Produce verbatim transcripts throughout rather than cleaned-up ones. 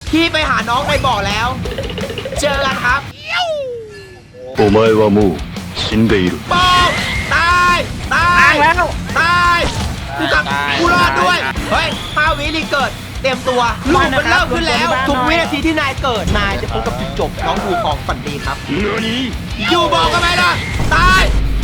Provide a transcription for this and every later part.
พี่ไปหาน้องในบ่อแล้ว เจอกันครับお前はもう死んでいるปองตายตายแล้วตายกูกับกูรอดด้วยเฮ้ยห้าวิรีเกิดเตรียมตัวลูกมันเริ่มขึ้นแล้วทุกวินาทีที่นายเกิดนายจะพบกับจุดจบน้องดูของฝันดีครับอยู่บอกกันไหมล่ะตาย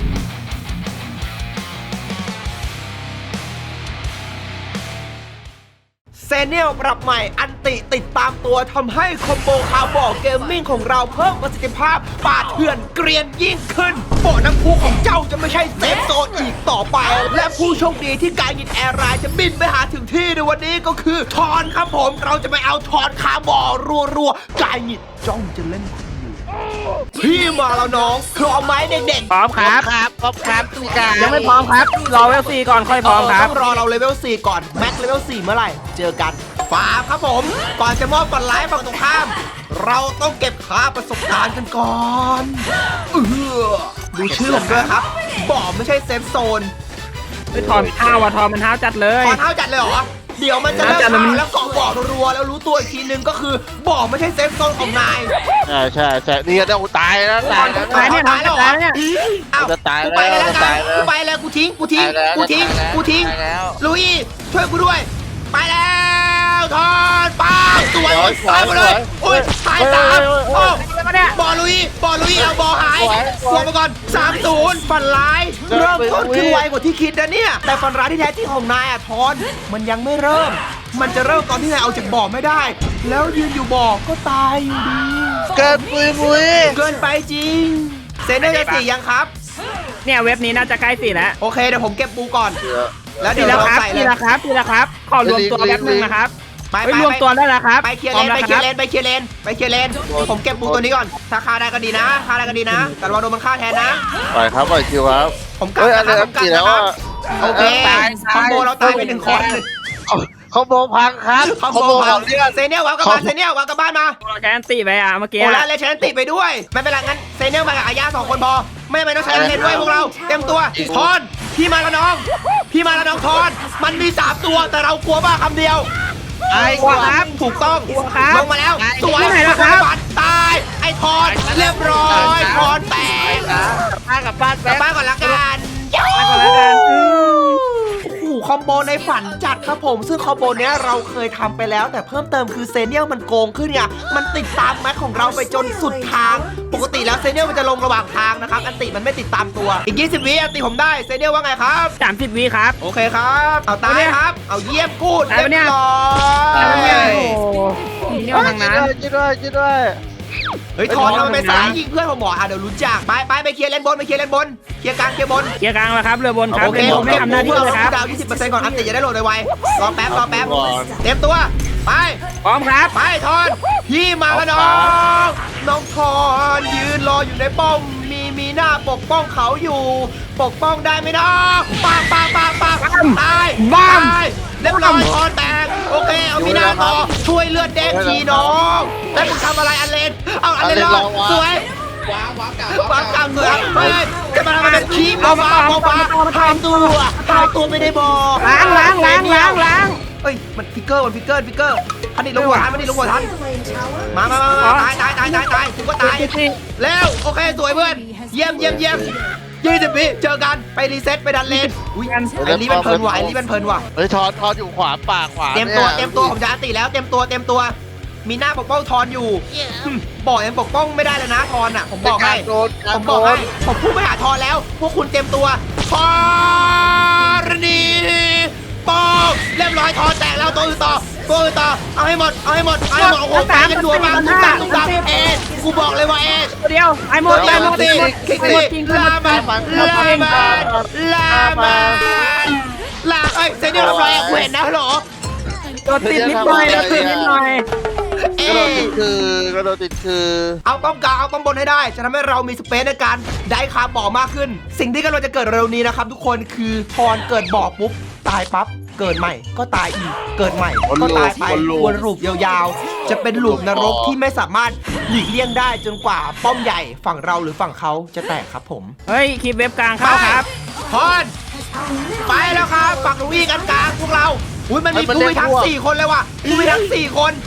เซเนียลปรับใหม่อันติติดตามตัวทำให้คอมโบคาร์บอเกมมิ่งของเราเพิ่มประสิทธิภาพปาดเถื่อนเกรียนยิ่งขึ้นโบน้ำพุของเจ้าจะไม่ใช่เซฟโซนอีกต่อไป และผู้โชคดีที่การยินแอร์ไลน์จะบินไปหาถึงที่ในวันนี้ก็คือทอนครับผมเราจะไปเอาทอนคาร์บอรัวๆกายยินจ้องจะเล่นคุณอยู่พี่มาแล้วน้องพร้อมไหมเด็กๆพร้อมครับครับพร้อมครับทุกการยังไม่พร้อมครับรอเวลสี่ก่อนค่อยพร้อมครับต้องรอเราเลเวลสี่ก่อนแม็กเลเวลสี่เมื่อไหร่เจอกันฟาร์มครับผมก่อนจะมอบก่อนไลฟ์ฝั่งตรงข้าม เราต้องเก็บค่าประสบการณ์กันก่อนเออดูชื่อผมด้วยครับบอกไม่ใช่เซฟโซนไม่ทอนห้าวว่ะทอนมันห้าวจัดเลยขอเท้าจัดเลยเหรอเดี๋ยวมันจะเริ่มทำแล้วเกาะบ่อรัวๆแล้วรู้ตัวอีกทีนึงก็คือบ่อไม่ใช่เซฟโซนของนายใช่ใช่ใช่นี่ก็ต้องตายแล้วตายแล้วตายเนี่ยตายแล้วเหรอเนี่ยอ้าวจะตายกูแล้วไปเลยแล้วจะกัตาน ยแล้วกูไปเลยกูทิ้งกูทิ้งตายแล้วกูทิ้งตายแล้วกูทิ้งตายแล้วลุยช่วยกูด้วยไปแล้วทอนป้าสวยตายหมดเลยอุ้ยตายสามโอ้บอลลุยบอลลุยเอาบอลหายตัวมาก่อนสามศูนย์ฝันร้ายเริ่มต้นขึ้นไวกว่าที่คิดนะเนี่ยแต่ฝันร้ายที่แท้จริงของนายอะทอนมันยังไม่เริ่ม มันจะเริ่มตอนที่นายเอาจากบ่อไม่ได้ แล้วยืนอยู่บ่อก็ตายอยู่ดีเกินปุยปุยเกินไปจริงเซนเนอร์จะสี่ยังครับเนี่ยเว็บนี้น่าจะใกล้สี่แล้วโอเคเดี๋ยวผมเก็บปูก่อน แล้วทีเดี๋ยวละเราครับใส่เลทียละครับทีละครับขอรวมตัวแป๊บนึงนะครับไปไปไปรวมตัวได้แล้วครับไปเคลียร์เลนไปเคลียร์เลนไปเคลียร์เลนไปเคลียร์เลนผมเก็บปูตัวนี้ก่อนถ้าฆ่าได้ก็ดีนะฆ่าได้ก็ดีนะแต่ระวังโดนมันฆ่าแทนนะปล่อยครับปล่อยคิวครับผมกลับเฮ้ยนะอะไรครับผมกลับกี่นะแล้วครัอ่ะบโอเคตายคอมโบเราตายไปหนึ่งคนคอมโบพังครับคอมโบขพัอง งเลือดเซเนียลวางกลับบ้านเซเนียลวางกลับบ้านมาแกนตีไปอ่ะเมื่อกี้โอ้แล้วเลนฉันติดไปด้วยไม่เป็นไรงั้นเซเนียลมากับอาญาสองคนพอไม่ไม่ต้องใช้เลนด้วยพวกเราเต็มตัวทอนพี่มาแล้วน้อง พี่มาแล้วน้องทอนมันมีสามตัวแต่เรากลัวบ้าคำเดียวไอ้กลัวครับถูกต้องลงมาแล้วสวยปัดตายไอ้ทอนเรียบร้อยทอนแตกพากลับบ้านกลัแป๊บบ บ้านก่อนละกันไปก่อนแล้วกันโอ้โหคอมโบในฝันจัดครับผม ซึ่งคอมโบเนี้ยเราเคยทำไปแล้ว แต่เพิ่มเติมคือเซเนียลมันโกงขึ้นไงมันติดตามแม็กของเราไปจนสุดทาง ปกติแล้วเซเนียลมันจะลงระหว่างทางนะครับอันติมันไม่ติดตามตัวอีกยี่สิบวิอันติผมได้เซเนียลว่าไงครับสามสิบวิครับโอเคครับ เอาตายครับ เอาเยี่ยมกูดได้เรียปะเนี่ยบร้อโอ้ยโหเนี่ยทางนั้นช่วยด้วยช่วยด้วยเฮ้ยทอนทำไมไปสายยิงเพื่อนผมหมออ่ะเดี๋ยวรู้จักไปไปไปเคลียร์เลนบนไปเคลียร์เลนบนเคลียร์กลางเคลียร์บนเกียร์กลางแล้วครับเรือบนครับโอเคเรือผบมนไม่เก็บทำหน้าที่เพื่อเลยครับดาวยี่สิบเปอร์เซ็นต์ก่อนอันติจะได้โหลดไวๆรอแป๊บรอแป๊บก่อนเตรียมตัวไปพร้อมครับไปทอนพี่มาแล้วน้องน้องทอนยืนรออยู่ในป้อมมีมีหน้าปกป้องเขาอยู่ ปกป้องได้ไหมน้องปังปังปังปังตายตายเรียบร้อยทอนแตกโอเคเอามีหน้าต่อช่วยเลือดแดงทีน้องแล้วมึงทำอะไรอันเลนเอาอันเลนรอสวยว้าวว้าวกลับว้าวกลับสวยเฮ้ยจะมาทำอะไรเป็นคีบเอามาเอามาทำตัวทำตัวไม่ได้บอกล้างล้างล้างล้างล้างเฮ้ยมันฟิกเกอร์มันฟิกเกอร์ฟิกเกอร์พันดิลงหัวทันพันดิลงหัวทันมามามามาตายตายตายตายตายกูก็ตายแล้วโอเคสวยเพื่อนเยี่ยมเยี่ยมเยี่ยมยี่สิบวิเจอกันไปรีเซ็ตไปดันเลนอุ้ยไอ้ลีมันเพลินว่ะไอ้ลีมันเพลินว่ะเฮ้ยทอนทอนอยู่ขวาปากขวาเตรียมตัวเตรียมตัวผมจะอันติแล้วเตรียมตัวเตรียมตัวมีหน้าปกป้องทอนอยู่บอกยังปกป้องไม่ได้เลยนะทอนอ่ะผมบอกให้โดนผมบอกให้ผมพูดไปหาทอนแล้ว พวกคุณเตรียมตัวทอนนีปองเรียบร้อยทอนแตกแล้วตัวอื่นต่อตัวอื่นต่อเอาให้หมดเอาให้หมดเอาให้หมดโอ้โหตายกันดัวมากตุ้มตามตุ้มตามเอสกูบอกเลยว่าเอสเดียวไอ้โมดลาไอ้โมมาดตีไอ้คิกโมตีดจริงลามาลามาลามาลาเอ้ยเซนเนียลทำไรอ่ะกูเห็นนะฮัลโหลตัวติดนิดหน่อยตัวติดนิดหน่อยเอก็โดนติดคือก็โดนติดคือเอาป้อมกลางเอาป้อมบนให้ได้จะทำให้เรามีสเปซในการได้คาร์บบ่อมากขึ้น สิ่งที่กำลังจะเกิดเร็วนี้นะครับทุกคนคือทอนเกิดบ่อปุ๊บตายปั๊บเกิดใหม่ก็ตายอีกเกิดใหม่ก็ตายไปวนลูปยาวๆ จะเป็นลูปนรกที่ไม่สามารถหลีกเลี่ยงได้จนกว่าป้อมใหญ่ฝั่งเราหรือฝั่งเขาจะแตกครับผมเฮ้ยคลิปเว็บกลางเข้าครับทอนไปแล้วครับฝั่งลุยกันกลางพวกเราอุ้ยมันมีผู้พิทักษ์สี่คนเลยว่ะผู้พิทักษ์สี่คน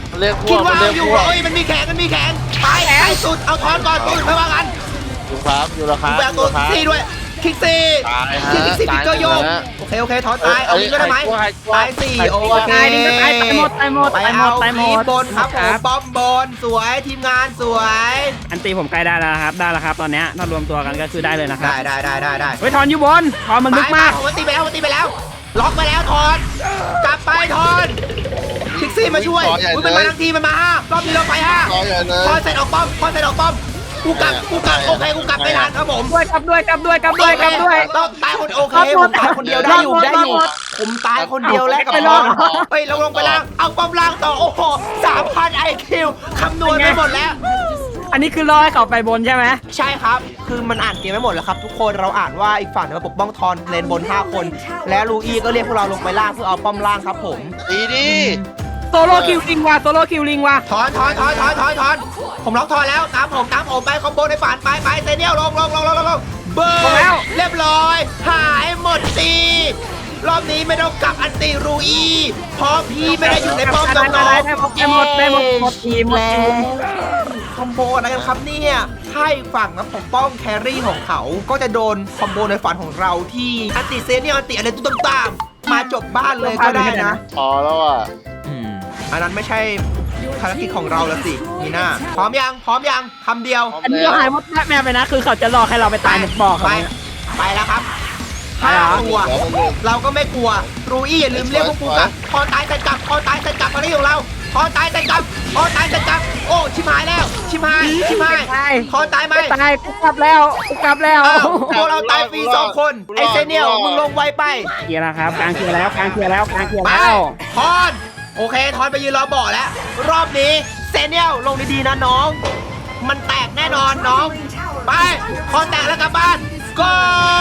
เรียกพวคิดกว่าเรียกอยู่พวกเอ้ยมันมีแขนมันมีแขนไปไอ้สุดเอาทอนก่อนตัวอื่นไม่ว่ากันอยู่ครับอยู่แล้วครับแบกตัวอยู่แล้วครับซี่ด้วยคิกซี่ตายฮะคิกซี่ตายพิกเกอร์โยกหมดแล้วโอเคโอเคถอนตายเอาลิงก็ได้ไหมใครกลัวตายสี่ใครกโอลัวเคตายลิงก็ตายตายหมดตายหมดไปตายหมเอาดตายหมทีมดบนครับผมป้อมบนสวยทีมงานสวยอันตีผมใกล้ได้แล้วครับได้แล้วครับตอนเนี้ยถ้ารวมตัวกันก็คือได้เลยนะครับได้ได้ได้ได้ได้เฮ้ยทอนอยู่บนทอนมันลึกมากไปผมตีไปแล้วผมตีไปแล้ว ล็อกไปแล้วทอนกลับไปทอนคิกซี่มาช่วยอุ๊ยมันมาทั้งทีมันมาห้ารอบนี้เราไปห้าต่อใหญ่เลยทอนเสร็จออกป้อมทอนเสร็จออกป้อมกูกลับกูกลับโอเคกูกลับไม่ทันครับผมด้วยกลับด้วยกลับด้วยกลับด้วยกลับด้วยต้องตายคนโอเครอดหผม มตายคนเดียวได้อยู่รอดได้อยู่รอดผมตายคนเดียวแล้วกับไม่ทรออดนเฮ้ยเราลงไปล่างเอาป้อมล่างต่อโอ้โหสามพันไอคิวคำนวณไปหมดแล้วอันนี้คือรอให้เขาไปบนใช่ไหมใช่ครับ คือมันอ่านเกมไม่หมดแล้วครับ ทุกคนเราอ่านว่าอีกฝั่งเนี่ยมาปกป้องทอนเลนบนห้าคน และลูอี้ก็เรียกพวกเราลงไปล่างเพื่อเอาป้อมล่างครับผมดีดีโซโล่คิวลิงว่ะโซโล่คิวลิงว่ะถอนถอนถอนถอนถอนถอนผมล็อกถอนแล้วตามผมตามผมไปคอมโบในฝันไปไปเซเนียลลงลงลงลงลงลงเบิร์นเรียบร้อย หายหมดตีรอบนี้ไม่ต้องกลับอันติรูอีเพราะพี่ไม่ได้อยู่ในป้อมน้องได้ได้ได้หมดได้หมดได้หมดหมดทีมหมดแล้ทีมคอมโบอะไรกันครับเนี่ยถ้าอีกฝั่งนะปกป้องแครี่ของเขา ก็จะโดนคอมโบในฝันของเราที่อันติเซเนียลอันติอะไรตุ้มตามๆมาจบบ้านเลยก็ได้นะพอแล้วอ่ะอันนั้นไม่ใช่ภารกิจของเราแล้วสิมีหน้าพร้อมยังพร้อมยังคำเดียวอันนี้เราหายหมดแม่ไปนะ คือเขาจะรอให้เราไปตายในบ่อไปเขาไปแล้วครับไปห้าเหรอตัวเราก็ไม่กลัวรูอี้อย่าลืมเรียกพวกกูกลับพอตายเสร็จกลับพอตายเสร็จกลับมาที่ของเราพอตายเสร็จกลับพอตายเสร็จกลับโอ้ชิมหายแล้วชิมหายชิมหายพอตายไหมไม่ตายกูกลับแล้วกูกลับแล้วอ้าวพวกเราตายฟรีสองคนไอเซเนียลมึงลงไวไปเคลียร์แล้วครับกลางเคลียร์แล้วกลางเคลียร์แล้วกลางเคลียร์ไปแล้วทอนโอเคทอนไปยืนรอบ่อแล้ว รอบนี้เซเนียลลงดีๆนะน้อง มันแตกแน่นอนน้อง ไปทอนแตกแล้วกลับบ้านก็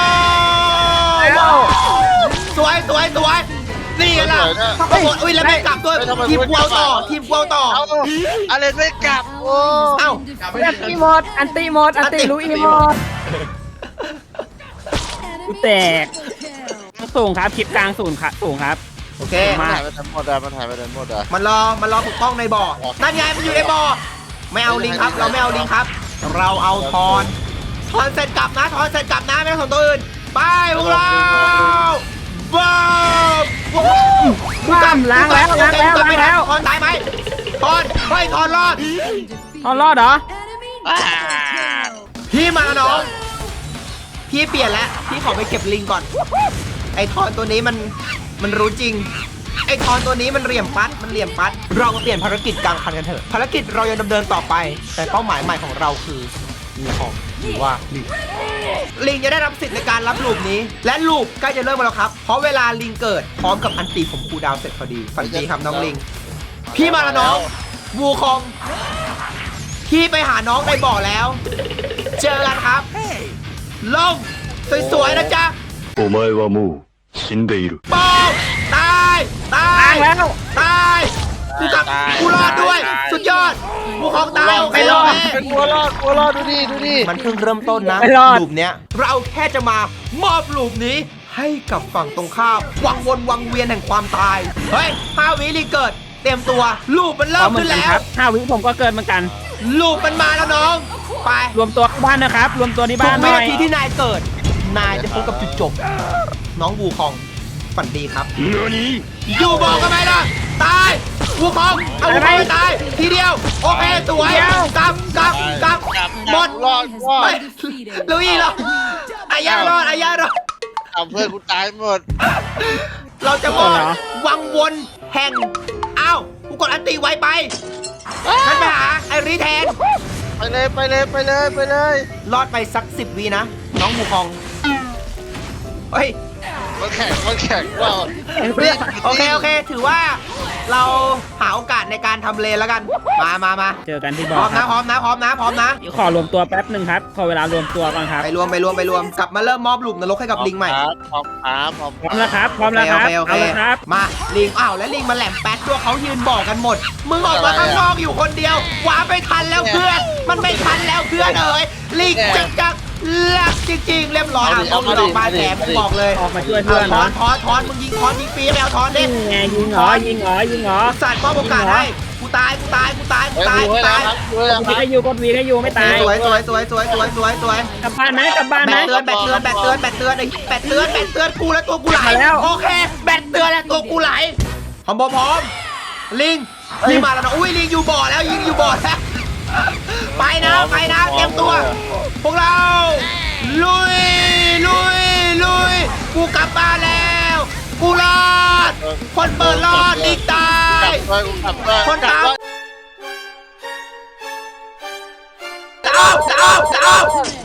สวยสวยสวยนี่ไงล่ะถ้าโหมดอุ้ยแล้วไม่กลับด้วยทีมกวาวต่อทีมกวาวต่อเอาอะไรไม่กลับโอ้เอ้าอันตีหมดอันตีหมดอันตีลุยหมดกูแตกสูงครับคลิปกลางสูงครับสูงครับโอเคมันหายไปทั้งหมดอ่ะมันหายไปทั้งหมดอ่ะมันรอมันรอปกป้องในบ่อนั่นไงมันอยู่ในบ่อไม่เอาลิงครับ เราไม่เอาลิงครับ เราเอาทอนทอนเสร็จกลับนะทอนเสร็จกลับนะไม่ต้องสนตัวอื่นไปพวกเราบ้าบ้ามล้างแล้วล้างแล้วล้างแล้วทอนตายไหมทอนเฮ้ยทอนรอดเอารอดเหรอพี่มาน้องพี่เปลี่ยนแล้วพี่ขอไปเก็บลิงก่อน ไอทอนตัวนี้มันมันรู้จริง ไอทอนตัวนี้มันเหลี่ยมปัดมันเหลี่ยมปัด เรามาเปลี่ยนภารกิจกลางคันกันเถอะภารกิจเรายังดำเนินต่อไป แต่เป้าหมายใหม่ของเราคือมีของหรือว่าลิงลิงจะได้รับสิทธิ์ในการรับลูปนี้ และลูปใกล้จะเริ่มแล้วครับ เพราะเวลาลิงเกิดพร้อมกับอันตีผมคูลดาวน์เสร็จพอดีฝันดีครับน้องลิง พี่มาแล้วน้องวูคองพี่ไปหาน้องในบ่อแล้ว เจอกันครับลงสวยๆนะจ๊ะお前はもう死んでいる。 ปองตายตายล้างแล้วตายกูกลับกูรอดด้วย สุดยอดวูคองตายโอเคไม่รอดโอเคเป็นวัวรอดวัวรอดดูดิดูดิมันเพิ่งเริ่มต้นนะไม่รอดลูปเนี้ยเราแค่จะมามอบลูปนี้ให้กับฝั่งตรงข้ามวังวนวังเวียนแห่งความตายเฮ้ยห้าวิรีเกิด เตรียมตัวลูปมันเริ่มขึ้นแล้วครับห้าวิผมก็เกินเหมือนกันลูปมันมาแล้วน้อง ไปรวมตัวที่บ้านนะครับ รวมตัวที่ทุบ้าก นหวิน่อนาย ทีที่นายเกิด นายจะพบกับจุดจบ น้องวูคองฝันดีครับ何อยู่บอกกันไหมล่ะ ตายวูคองเอาวูคองไปตาย ทีเดียว โอเคสวยกลับกลับกลับหมดรอดรอดเฮ้ยลุยเหรออายารอดอายารอดเอาเพื่อนกูตายหมดเราจะบอกวังวนแห่งอ้าวกูกดอันตีไวไปงั้นไปหาไอรีแทนไปเลยไปเลยไปเลยไปเลยรอดไปสักสิบวีนะ น้องวูคองเฮ้ยมันแข่งมันแข่งว่าโอเค โอเค ถือว่าเราหาโอกาสในการทำเลนแล้วกัน มามามาเจอกันที่พบ่ร้ออมครันะบพร้อมนะ พร้อมนะ พร้อมนะเดี๋ยวขอรวมตัวแป๊บหนึ่งครับ ขอเวลารวมตัวก่อนครับไปรวม ไปรวม ไปรวม กลับมาเริ่มมอบหลุมนรกให้กับลิงใหม่พร้อมครับพร้อมพร้อมแล้วครับ พร้อมแล้วครับโอเคโอเคเอาเลยครับมา ลิง อ้าว แล้วลิงมาแหลมแป๊ดด้วยเขายืนบอกกันหมด มึงออกมาข้างนอกอยู่คนเดียวหวาไม่ทันแล้วเพื่อน มันไม่ทันแล้วเพื่อนเอ๋ยลิงจักจักหลักจริงๆ เรียบร้อยอ่ะต้องออกมาแถมผมบอกเลยออกมาช่วยเพื่อนทอเนาะนทอนทอนมึงยิงทอนยิงฟรีไปเอาทอนดิยิงไงยิงเหรอยิงเหรอยิงเหรอสัตว์มอบโอกาสให้กูกูตายกูตายกูตายกูเฮ้ยตายดูกูให้แล้ตาวย ครับดูให้แล้วควีรับให้อยู่กดวีให้อยู่ไม่ตายสวยสวยสวยสวยสวยสวยสวยกลับบ้านไหมกลับบ้านแบไหมตเตือนแบตเตือนแบตเตือนแบตเตือนไอ้แบตเตือนแบตเตือนกูแล้วตัวกูไหลมาแล้วโอเคแบตเตือนแล้วตัวกูไหลพร้อมพร้อมลิงลิงมาแล้วนะอุ้ยลิงอยู่บ่อแล้วยิงอยู่บ่อแล้วไปนะไปนะเตรียมตัว พวกเราลุยลุยลุยกูกลับบ้านแล้วกูรอดคนเปิดรอดลิงตายกลับด้วยกูกลับด้วยคนกลัตาบมด้วยจะเอาจะเอาจะเอา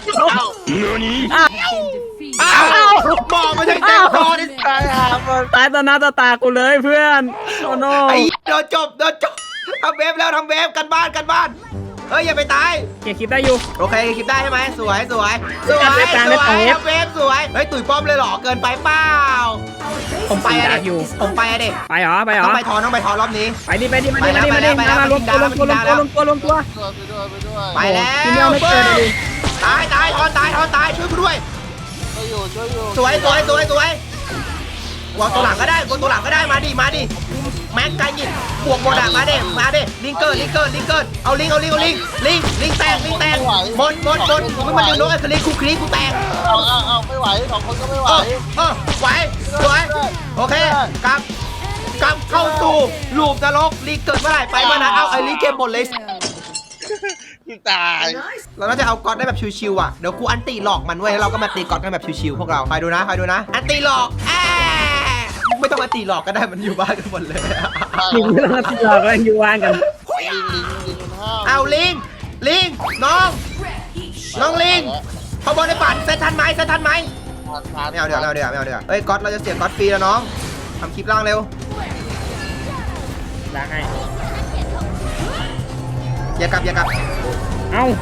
เอ้าอ้าวบอกไม่ใช่แจ็คพอตตายหาหมดตายต่อหน้าต่อตากูเลยเพื่อนโอ้โนไอ้โดนจบโดนจบทำเวฟแล้วทำเวฟกันบ้านกันบ้านเฮ้ยอย่าไปตายเก็บคลิปได้อยู่โอเคคลิปได้ใช่ไหมสวยสวยสวยจัดรายการสได้วยสองเวฟทำเวฟสวยเฮ้ยตุ๋ยป้อมเลยเหรอเกินไปเปล่าผมไปอะตีดาเด็บอยู่ผมไปอะเด็ไปเหรอไปเหรต้อองไปทอนต้องไปทอนรอบนี้ไปดิไปดิมาดิไปแล้มาว ดิมาดิไปแล้วมารวมตัวรวมตัวรวมตัวรวมตัวรวมตัวไปด้วยไปด้วยไปแล้วทีเดียวไม่เกินเลยดิตายตายทอนตายทอนตายช่วยกูด้วยช่วยอยู่ช่วยอยู่สวยสวยสวยสวยวางตัวหลังก็ได้วางตัวหลังก็ได้มาดิมาดิแม็กไกยิงบวกโมดะมาเด้มาเด้ลิงเกอร์ลิงเกอร์ลิงเกอร์เอาลิงเอาลิงเอาลิงลิงลิงแตกลิงแตกหมดหมดหมดมึงมันดึงนกไอ้คลิกกูคลิกกูแตกเอาเอาเอาไม่ไหวสองคนก็ไม่ไหวเออเออไหวสวยโอเคกลับกลับเข้าสู่ลูปนรกลิงเกิดเมื่อไหร่ไปเมื่อนั้นเอาไอ้ลิงเกมหมดเลยที่ตายเราน่าจะเอาก๊อตได้แบบชิวๆอ่ะเดี๋ยวกูอันตีหลอกมันเว้ยแล้วเราก็มาตีก๊อตกันแบบชิวๆพวกเราไปดูนะไปดูนะอันตีหลอกแอะไม่ต้องมาตีหลอกก็ได้มันอยู่บ้านกันหมดเลยลิงไม่ต้องมาติดหลอกกันอยู่ว่างกันลิงลิงลิงมันห้าวเอาลิงลิงน้องน้องลิงขบวนในปั่นเซตทันไหมเซตทันไหมไม่เอาเดี๋ยวไม่เอาเดี๋ยวไม่เอาเดี๋ยวเฮ้ยก๊อตเราจะเสียก๊อตฟรีแล้วน้องทำคลิปล่างเร็วล้างให้อย่ากลับอย่ากลับเอ้าก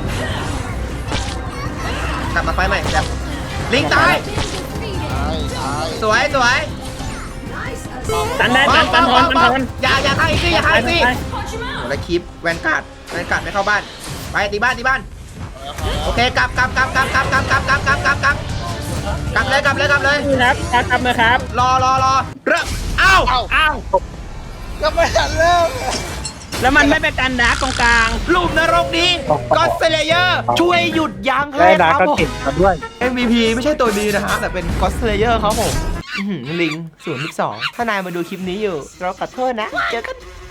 ลับมาไฟใหม่แบบลิงตายตายตายสวยสวยตันได้ตันตันทอนตันทอนอย่าอย่าทางอีกสิอย่าทางอีกสิไปโอ้แล้วคลิปแวนการ์ดแวนการ์ดไม่เข้าบ้านไปตีบ้านตีบ้านโอเคกลับกลับกลับกลับกลับกลับกลับกลับกลับกลับกลับกลับเลยกลับเลยกลับเลยนี่ครับครับครับนะครับรอรอรอเริ่มเอ้าเอ้าอ้าวก็ไม่ทันเริ่มแล้วมันไม่เป็นการดาร์กตรงกลางลูปนรกนี้ก็อดเซเลเยอร์ช่วยหยุดยั้งให้ครับผมด้วยเอ็ม วี พี ไม่ใช่ตัวดีนะฮะแต่เป็นก็อดเซเลเยอร์ครับผมอื้อหือลิงศูนย์สิบสองถ้านายมาดูคลิปนี้อยู่เราขอโทษนะเจอกัน